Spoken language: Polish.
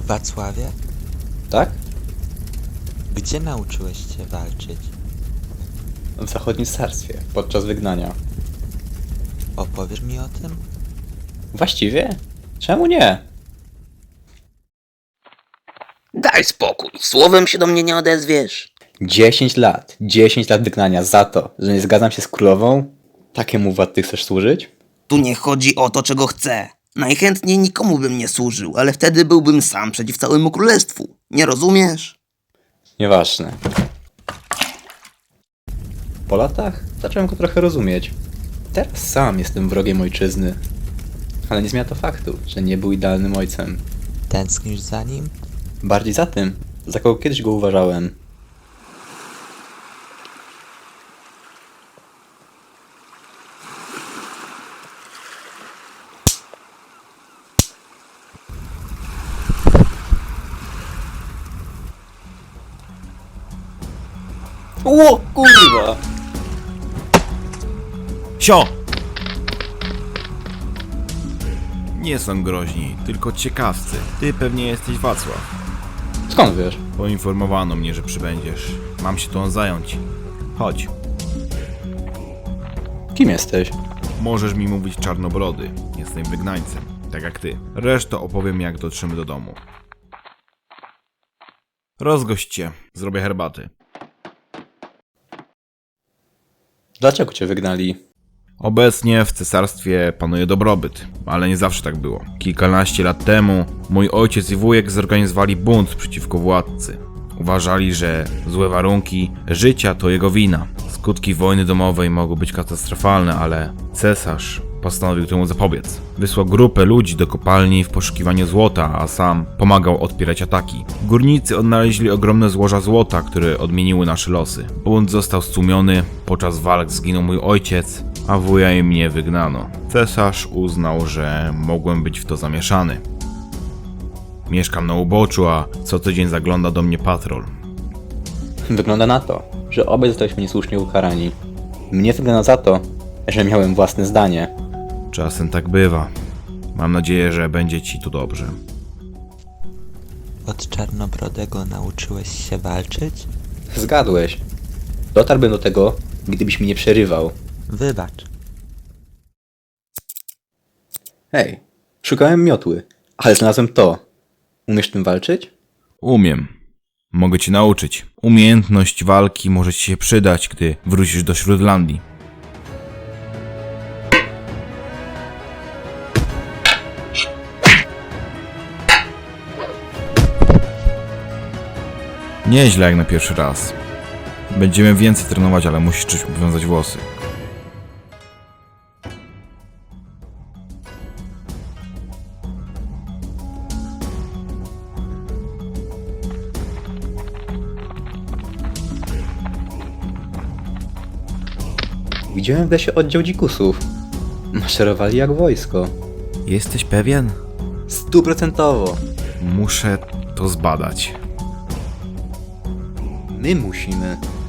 Wacławie, Tak? gdzie nauczyłeś się walczyć? W zachodnim carstwie, podczas wygnania. Opowiesz mi o tym? Właściwie? Czemu nie? Daj spokój, słowem się do mnie nie odezwiesz. 10 lat. 10 lat wygnania za to, że nie zgadzam się z królową? Takiemu władcy chcesz służyć? Tu nie chodzi o to, czego chcę. Najchętniej nikomu bym nie służył, ale wtedy byłbym sam przeciw całemu królestwu. Nie rozumiesz? Nieważne. Po latach zacząłem go trochę rozumieć. Teraz sam jestem wrogiem ojczyzny. Ale nie zmienia to faktu, że nie był idealnym ojcem. Tęsknisz za nim? Bardziej za tym, za kogo kiedyś go uważałem. Ło, kurwa! Sio! Nie są groźni, tylko ciekawscy. Ty pewnie jesteś Wacław. Skąd wiesz? Poinformowano mnie, że przybędziesz. Mam się tą zająć. Chodź. Kim jesteś? Możesz mi mówić czarnobrody. Jestem wygnańcem, tak jak ty. Resztę opowiem, jak dotrzemy do domu. Rozgość cię. Zrobię herbaty. Dlaczego cię wygnali? Obecnie w cesarstwie panuje dobrobyt, ale nie zawsze tak było. Kilkanaście lat temu mój ojciec i wujek zorganizowali bunt przeciwko władcy. Uważali, że złe warunki życia to jego wina. Skutki wojny domowej mogły być katastrofalne, ale cesarz postanowił temu zapobiec. Wysłał grupę ludzi do kopalni w poszukiwaniu złota, a sam pomagał odpierać ataki. Górnicy odnaleźli ogromne złoża złota, które odmieniły nasze losy. Bunt został stłumiony, podczas walk zginął mój ojciec, a wuja i mnie wygnano. Cesarz uznał, że mogłem być w to zamieszany. Mieszkam na uboczu, a co tydzień zagląda do mnie patrol. Wygląda na to, że obaj zostaliśmy niesłusznie ukarani. Mnie wygląda za to, że miałem własne zdanie. Czasem tak bywa. Mam nadzieję, że będzie ci tu dobrze. Od Czarnobrodego nauczyłeś się walczyć? Zgadłeś. Dotarłbym do tego, gdybyś mi nie przerywał. Wybacz. Hej, szukałem miotły, ale znalazłem to. Umiesz tym walczyć? Umiem. Mogę cię nauczyć. Umiejętność walki może ci się przydać, gdy wrócisz do Śródlandii. Nieźle jak na pierwszy raz. Będziemy więcej trenować, ale musisz czymś obwiązać włosy. Widziałem w lesie oddział dzikusów. Maszerowali jak wojsko. Jesteś pewien? 100%. Muszę to zbadać. My musimy.